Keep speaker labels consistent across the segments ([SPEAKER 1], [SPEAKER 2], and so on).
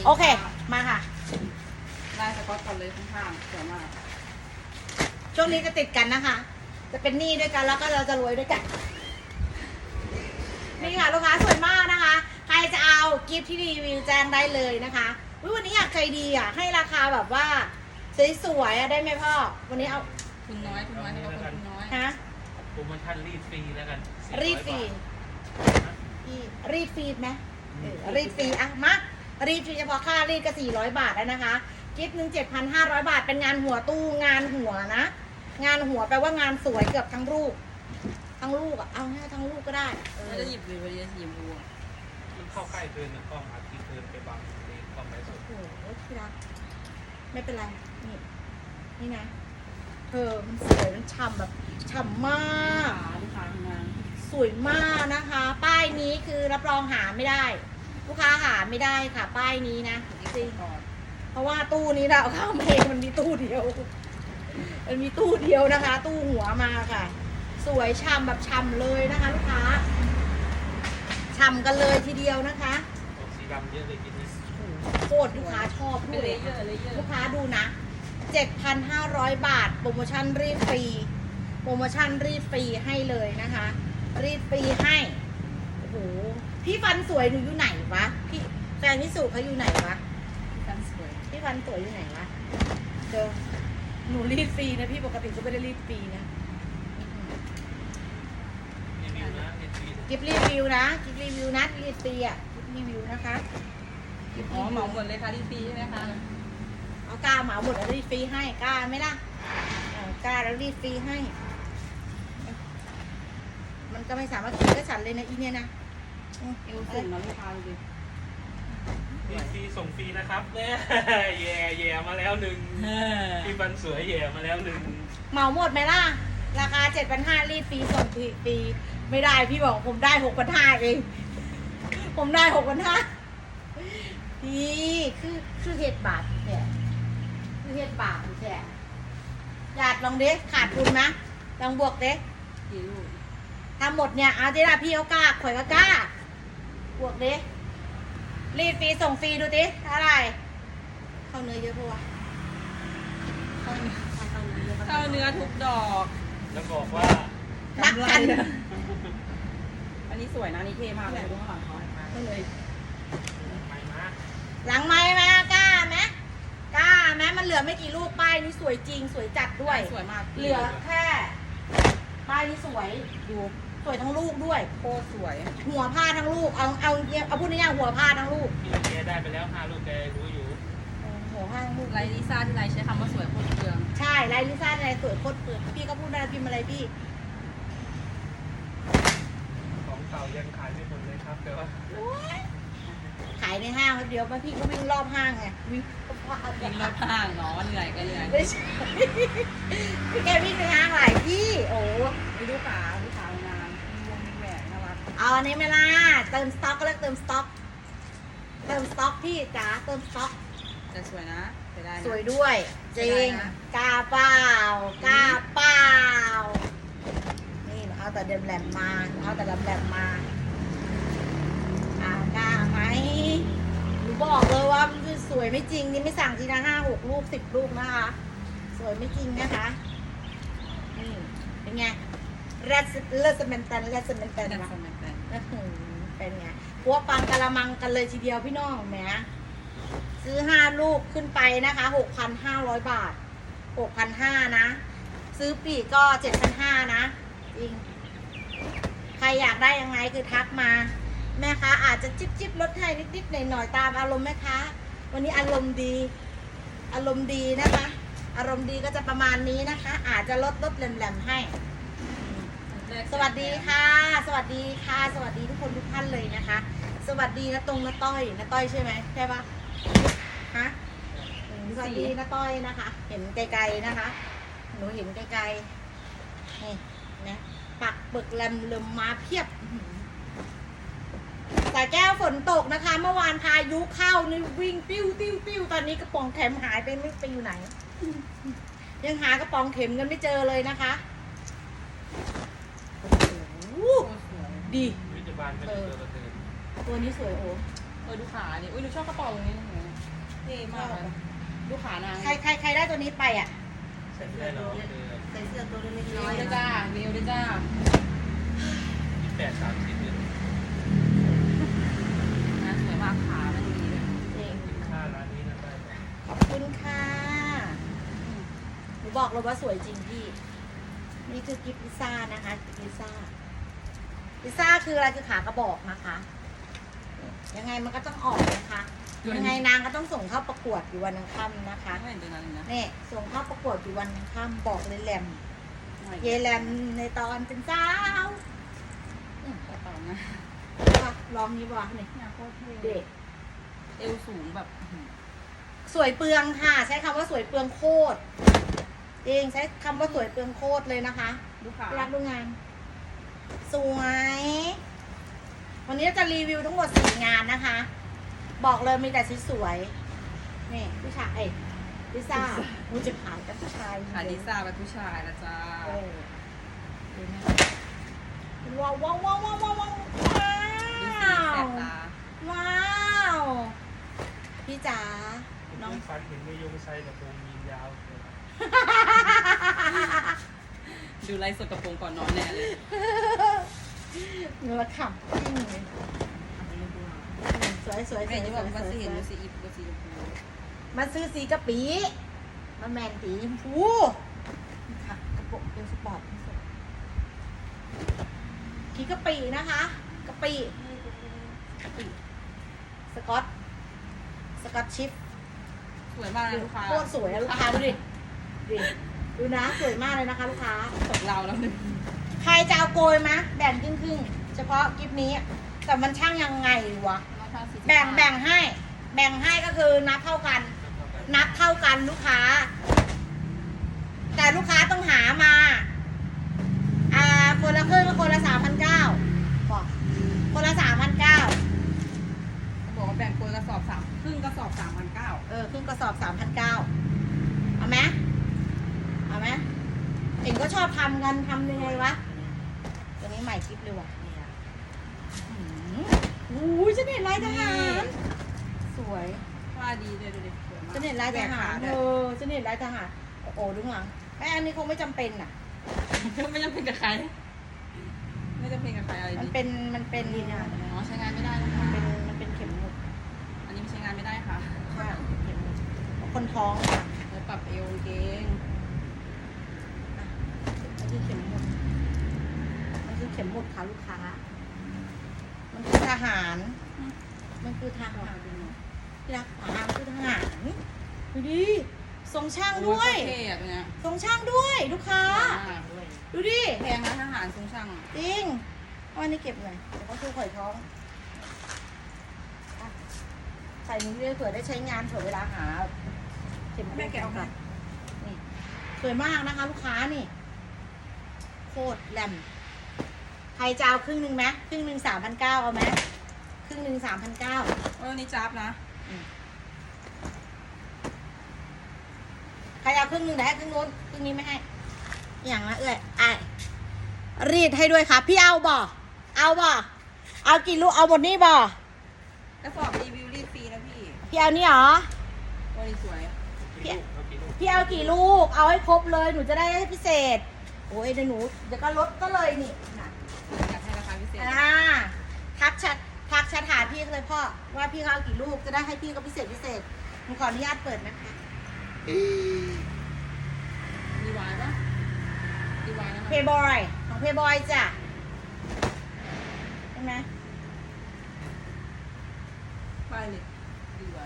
[SPEAKER 1] โอเคมาค่ะ
[SPEAKER 2] ลายสก๊อตก่อนเลยข้างๆสวยมาก
[SPEAKER 1] ช่วงนี้จะติดกันนะคะ จะเป็นหนี้ด้วยกันแล้วก็เราจะรวยด้วยกัน นี่ค่ะลูกค้าสวยมากนะคะ ใครจะเอากิฟต์ที่รีวิวแจ้งได้เลยนะคะอุ๊ยวันนี้อยากใจดีอ่ะให้ราคาแบบว่าสวยๆอ่ะได้ไหมพ่อวันนี้เอา
[SPEAKER 2] ทุนน้อยทุนน้อยให้เราคนทุนน้อย
[SPEAKER 1] ฮะ
[SPEAKER 3] โปรโมชั่นรีดฟรีแล้วกัน
[SPEAKER 1] รีดฟรี รีดฟรีไหมรีดฟรีอ่ะมารีดฟรีเฉพาะค่ารีดก็400 บาทแล้วนะคะกิฟต์หนึ่ง7,500 บาทเป็นงานหัวตู้งานหัวนะงานหัวแปลว่างานสวยเกือบทั้งรูปทั้งลูกอ่ะเอาง่ายทั้งลูกก็ได้
[SPEAKER 2] แล้วจะหยิบเลยวันนี้จะหยิบดู
[SPEAKER 3] มันเข้าใกล้เกินหนึ่งกล้องอาทิตย์เกินไปบังในกล้องไลฟ์สด
[SPEAKER 1] โอ้โหที่รักไม่เป็นไรนี่นี่นะมันสวยมันฉ่ำแบบฉ่ำมาก
[SPEAKER 2] ลูกค้าทำงาน
[SPEAKER 1] สวยมากนะคะ ป้ายนี้คือรับรองหาไม่ได้ ลูกค้าหาไม่ได้ค่ะ ป้ายนี้นะจริง
[SPEAKER 2] ก่อน
[SPEAKER 1] เพราะว่าตู้นี้เราเข้ามาเองมันมีตู้เดียว มันมีตู้เดียวนะคะ ตู้หัวมาค่ะ สวยฉ่ำแบบฉ่ำเลยนะคะ ลูกค้าฉ่ำกันเลยทีเดียวนะคะ
[SPEAKER 3] ออกสีดำเยอะเลยกินนี้
[SPEAKER 1] โคตรลูกค้าชอบ
[SPEAKER 2] เป็น
[SPEAKER 1] ด้ว
[SPEAKER 2] เลย เยอร์เลยเยอ
[SPEAKER 1] ลู
[SPEAKER 2] ร์
[SPEAKER 1] กค้าดูนะ 7,500 บาท โปรโมชั่นรีดฟรี โปรโมชั่นรีดฟรีให้เลยนะคะ รีดฟรีให้ โอ้โห พี่ฟันสวยหนูอยู่ไหนวะ พี่แฟนพี่สุเขาอยู่ไหนวะ
[SPEAKER 2] กันสวย
[SPEAKER 1] พี่ฟันสวยอยู่ไหนวะเจอหนูรีดฟรีนะพี่ปกติก็ไม่ได้รีดฟรีนะ
[SPEAKER 3] รีวิวนะรีดฟรี
[SPEAKER 1] กิฟรีวิวนะกิฟรีวิวนะรีดฟรีอ่ะกิฟรีวิวนะคะกิฟ
[SPEAKER 2] อ๋อ
[SPEAKER 1] รีวิว
[SPEAKER 2] เหมาหมดเลยค่ะที่ฟรีใช่ไหมคะ
[SPEAKER 1] เอากล้าเหมาหมดแล้วรีดฟรีให้กล้าไหมล่ะกล้าแล้วรีดฟรีให้ มันก็ไม่สามารถกินก็ฉันเลยนะอีเนี่ยนะ
[SPEAKER 2] เอวสูงนะลูกค้าดูดิ
[SPEAKER 3] รีดฟรีส่งฟรีนะครับเนี่ยแย่มาแล้วหนึ่งพี่ฟันสวยแย่มาแล้วหนึ่ง
[SPEAKER 1] เหมาหมดไหมล่ะ ราคา7,500รีดฟรีส่งฟรีไม่ได้พี่บอกผมได้6,500เอง ผมได้6,500พี่คือเห็ดบาทแค่คือเห็ดบาทแค่หยาดลองเด็กขาดทุนนะลองบวกเด็ก
[SPEAKER 2] กี่ลูก
[SPEAKER 1] ทำหมดเนี่ยเอาเจล่ะพี่เขากล้าข่อยก็กล้าบวกเด็กรีดฟรีส่งฟรีดูดิเท่าไหร่เข้าเนื้อเยอะปะวะเข้าเนื้อเยอะปะ
[SPEAKER 2] เข้าเนื้อทุกดอก
[SPEAKER 3] แล้วบอกว่า
[SPEAKER 1] รักกัน
[SPEAKER 2] อันนี้สวยนะนี่เท่มากเลยดูข้างหลังเขา
[SPEAKER 1] ก็เลย
[SPEAKER 3] ไปมา
[SPEAKER 1] หลังไม้ไหมกล้าไหมกล้าไหมมันเหลือไม่กี่ลูกป้ายนี้สวยจริงสวยจัดด้วย
[SPEAKER 2] สวยมาก
[SPEAKER 1] เหลือแค่ป้ายนี้สวยดูสวยทั้งลูกด้วย
[SPEAKER 2] โคตรสวย
[SPEAKER 1] หัวผ้าทั้งลูกเอาพูดง่ายๆหัวผ้าทั้งลูก
[SPEAKER 3] พี่แกได้ไปแล้ว5 ลูกแกรู้อยู่
[SPEAKER 1] หัวผ้าทั้งลูก
[SPEAKER 2] ไลลิซ่าที่ไลใช้คำว่าสวยโคตรเปลือง
[SPEAKER 1] ใช่ลายลิซ่าลายสวยโคตรเปิดพี่ก็พูดได้พิมพ์อะไรพี่
[SPEAKER 3] ของเก่ายังขายไม่หมดเลยครับแต่ว่า
[SPEAKER 1] ขายในห้างแป๊บเดียวพี่ก็วิ่งรอบห้างไงวิ่งรอบห้าง
[SPEAKER 2] วิ่งรอบข้างเนาะเหนื่อยก็เหนื่อย
[SPEAKER 1] ไม่ใช่พี่แกวิ่งในห้างหลายที่โอ้
[SPEAKER 2] มีลูกค้างานมีวงมีแหวนน่ารัก
[SPEAKER 1] เอาอันนี้ไหมล่ะเติมสต็อกก็เรียกเติมสต็อกเติมสต็อกพี่จ๋าเติมสต็อก
[SPEAKER 2] แต่สวยนะเสียดายนะ
[SPEAKER 1] สวยด้วยจริง
[SPEAKER 2] ได้นะ
[SPEAKER 1] กล้าเปล่ากล้าเปล่านี่หนูเอาแต่เดิมแหลมมาหนูเอาแต่แหลมมากล้าไหมหนูบอกเลยว่ามันคือสวยไม่จริงนี่ไม่สั่งทีละ5-6 ลูก10 ลูกนะคะ สวยไม่จริงนะคะนี่เป็นไงเลสเมนตัน
[SPEAKER 2] แต่
[SPEAKER 1] นะ
[SPEAKER 2] สมัยแต่
[SPEAKER 1] เป็นไงพัวปังกะละมังกันเลยทีเดียวพี่น้องแหมซื้อ5 ลูกขึ้นไปนะคะ 6,500 บาท 6,500 นะ ซื้อปีกก็7,500 นะ จริง ใครอยากได้ยังไงคือทักมา แม่ค้าอาจจะจิ๊บลดให้นิดๆหน่อยๆตามอารมณ์แม่ค้าวันนี้อารมณ์ดี อารมณ์ดีนะคะ อารมณ์ดีก็จะประมาณนี้นะคะ อาจจะลดแหลมๆให้ สวัสดีค่ะ สวัสดีค่ะ สวัสดีทุกคนทุกท่านเลยนะคะ สวัสดีนะนะต้อยใช่ไหมใช่ปะฮะสวัสดีนะต้อยนะคะ เห็นไกลๆนะคะ หนูเห็นไกลๆนี่นะปักเบิกแลมลมมาเพียบสายแก้วฝนตกนะคะ เมื่อวานพายุเข้านี่วิ่งติ้วตอนนี้กระป๋องเข็มหายไปไม่ไปอยู่ไหน ยังหากระป๋องเข็มกันไม่เจอเลยนะคะโอ้โหดี
[SPEAKER 3] วิจบาลเป็นตัวกระเทือน
[SPEAKER 1] ตัวนี้สวยโอ้
[SPEAKER 2] เออดูขาดิอุ้ยหนูชอบกระเป๋าตรงนี้นะเท่มากเลยดูขานาง
[SPEAKER 1] ใครได้ตัวนี้ไปอ่ะ
[SPEAKER 3] ใส่ได้เหรอ
[SPEAKER 1] ใส่เสื้อตัวเล็ก
[SPEAKER 2] เอ
[SPEAKER 1] น้อ
[SPEAKER 2] วย ด้วยจ้าเอวด้วยจ้า
[SPEAKER 3] 28-30เลย
[SPEAKER 2] นะสวยมากขามันดีเลย
[SPEAKER 1] เอง
[SPEAKER 3] ค่าร้านนี้นะได้ไหม
[SPEAKER 1] ขอบคุณค่ะหนูบอกเลยว่าสวยจริงพี่นี่คือกิฟต์พิซซ่านะคะกิฟต์พิซซ่าคืออะไรคือขากระบอกนะคะ ยังไงมันก็ต้องออกนะคะยังไงนางก็ต้องส่งเข้าประกวดอยู่วันอังคารนะคะ
[SPEAKER 2] ไม่เห็นตัวนั้นเลยนะ
[SPEAKER 1] นี่ส่งเข้าประกวดอยู่วันอังคารบอกเลยแหลมเยแหลมในตอนเป็นสาว
[SPEAKER 2] กระเป๋านะ
[SPEAKER 1] ลองนี้บ่นี่
[SPEAKER 2] เนี่ยโคตรเท่
[SPEAKER 1] เด็ก
[SPEAKER 2] เอวสูงแบบ
[SPEAKER 1] สวยเปลืองค่ะ ใช้คำว่าสวยเปลืองโคตรเองใช้คำว่าสวยเปลืองโคตรเลยนะคะ
[SPEAKER 2] ดูขา
[SPEAKER 1] รักดูงาน สวย วันนี้จะรีวิวทั้งหมด4 งานนะคะ บอกเลยมีแต่สวยๆนี่ผู้ชายลิซ่ามูจะขายกับผู้ชาย
[SPEAKER 2] ขาดิซ่าเป็นผู้ชายนะจ้า
[SPEAKER 1] เออว้าวว้าวว้าวว้าวว้าวว้าว
[SPEAKER 2] ดูสีแสบตา
[SPEAKER 1] ว้าว พี่จ๋า
[SPEAKER 3] น้องฟันเห็นไม่ยงไซกระโปรงยีนยาวเลย
[SPEAKER 2] ดูไลฟ์สดกระโปรงก่อนนอนแน่เลย
[SPEAKER 1] เนื้อขำจริงเลยสวยสวยส
[SPEAKER 2] แม่
[SPEAKER 1] วย
[SPEAKER 2] จะบอกว่าสีเห็น
[SPEAKER 1] ส
[SPEAKER 2] ดู
[SPEAKER 1] วย
[SPEAKER 2] สีอิฟกับสีชมพู
[SPEAKER 1] มันซื้อสีกะปิมันแมนสีชมพูค่ะกระโปรงเป็นสปอร์ตที่สุดกีกะปินะคะกะปิกะปิสกอตชิฟ
[SPEAKER 2] สวยมากเลยลูกค้า
[SPEAKER 1] โคตรสวยอะลูกค้าดูดิดูนะสวยมากเลยนะคะ ลูกค้า
[SPEAKER 2] ตกเราแล้วหนึ่ง
[SPEAKER 1] ใครจะเอาโกยมะแบ่งครึ่งๆเฉพาะกิฟนี้แต่มันช่างยังไงวะแบ่งให้ก็คือนับเท่ากัน นับเท่ากันลูกค้า แต่ลูกค้าต้องหามาคนละครึ่งก็คนละ3,900บอกคนละ3,900
[SPEAKER 2] บอกว่าแบ่งคนกระสอบครึ่งกระสอบ3,900
[SPEAKER 1] ครึ่งกระสอบ3,900เอาไหมเอ็งก็ชอบทำกันทำยังไงวะตัวนี้ใหม่คลิปเลยว่ะอู้ยฉันเห็นลายทหารสวย
[SPEAKER 2] ว่าดีเลยดูดิสวยมาก
[SPEAKER 1] ฉันเห็นลายทหาร
[SPEAKER 2] เล
[SPEAKER 1] ฉันเห็นลายทหารโอ้โหดูหลังไอ้อันนี้คงไม่จำเป็นน่ะ
[SPEAKER 2] ไม่จำเป็นกับใคร ไม่จำเป็นกับใครอะไร
[SPEAKER 1] มัน
[SPEAKER 2] ดี
[SPEAKER 1] เป็นนี่นะ
[SPEAKER 2] อ๋อใช้งานไม่ได้นะคะ
[SPEAKER 1] มันเป็นเข็มหมุด
[SPEAKER 2] อันนี้ไม่ใช้งานไม่ได้ค่ะ
[SPEAKER 1] ใช่เข็มหมุดคนท้องค่ะ
[SPEAKER 2] แล้วปรับเอวเกง
[SPEAKER 1] มันคือเข็มหมุดค่ะลูกค้า มันคือทหารที่รักษาคือทหารดูดิทรงช่างด้วย
[SPEAKER 2] เท่อะตัวเนี้ย
[SPEAKER 1] ทรงช่างด้วยลูกค้า ดูดิ
[SPEAKER 2] แพงนะทหารทรงช่าง
[SPEAKER 1] จริงเอาอันนี้เก็บหน่อยเดี๋ยวก็คือข่อยท้องอ่ะใส่นี้เลยเผื่อได้ใช้งานเผื่อเวลาหาเข็ม
[SPEAKER 2] แม่แกะออกมา
[SPEAKER 1] นี่สวยมากนะคะ ลูกค้านี่ โคตรแหลมใครจะเอาครึ่งหนึ่งไหมครึ่งหนึ่ง3,900เอาไหมครึ่งหนึ่ง3,900
[SPEAKER 2] วันนี้จับนะ
[SPEAKER 1] ใครเอาครึ่งหนึ่งแต่ให้ครึ่งนู้นครึ่งนี้ไม่ให้ อย่างละรีดให้ด้วยค่ะ พี่เอาบ่เอากี่ลูกเอาหมดนี่บ่
[SPEAKER 2] กระสอบรีวิวรีดฟรีนะพี่
[SPEAKER 1] พี่เอานี่เหรอ
[SPEAKER 2] วันนี้สวย
[SPEAKER 1] พี่เอากี่ลูก เอาให้ครบเลย หนูจะได้ให้พิเศษ โอ้ยเดี๋ยวหนูเดี๋ยวก็ลดก็เลยนี่นะ
[SPEAKER 2] อยากให้ราคาพิเศษ
[SPEAKER 1] ทักแชทหาพี่เลยพ่อว่าพี่เขาเอากี่ลูกจะได้ให้พี่ก็พิเศษหนูขออนุญาตเปิดนะคะ
[SPEAKER 2] ดีวายปะดีวายนะ
[SPEAKER 1] เพย์บอยของเพย์บอยจ้ะใช่ไหม
[SPEAKER 2] ป้ายเลยดีวาย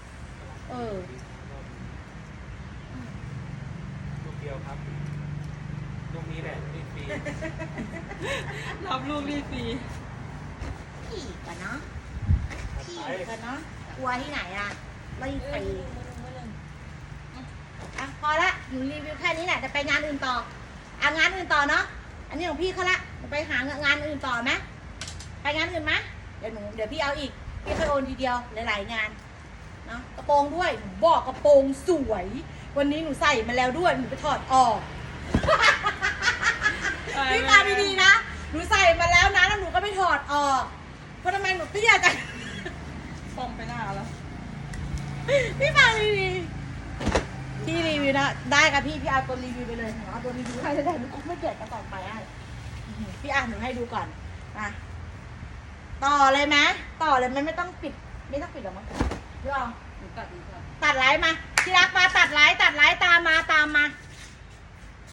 [SPEAKER 3] ลูกเดียวครับลูกนี้แหละรีบฟรี
[SPEAKER 2] รับลูกรีดฟรี
[SPEAKER 1] พี่กันเนาะกลัวที่ไหนอ่ะไม่ไปอ่ะพอละหนูรีวิวแค่นี้แหละจะไปงานอื่นต่องานอื่นต่อเนาะอันนี้ของพี่เขาละไปหางานอื่นต่อไหมไปงานอื่นไหมเดี๋ยวพี่เอาอีกพี่เคยโอนทีเดียวหลายๆงานเนาะกระโปรงด้วยหนูบอกกระโปรงสวย วันนี้หนูใส่มาแล้วด้วยหนูไปถอดออกพี่มาดีๆนะหนูใส่มาแล้วนะแล้วหนูก็ไปถอดออกเพราะทำไมหนูเตี้ยจัง
[SPEAKER 2] พอซ่อมไปหน้าแล้ว
[SPEAKER 1] พี่มารีวิวพี่รีวิวนะได้ค่ะพี่เอาตัวรีวิวไปเลยหนูเอาตัวรีวิวให้ได้หนูไม่เกลียดกันต่อไปให้พี่หนูให้ดูก่อนนะต่อเลยไหมต่อเลยไหมไม่ต้องปิดหรอกมั้งพี่อ๋อ
[SPEAKER 2] หนูตัดดีกว่า
[SPEAKER 1] ตัดไลฟ์มาที่รักมาตัดไลฟ์ตามมา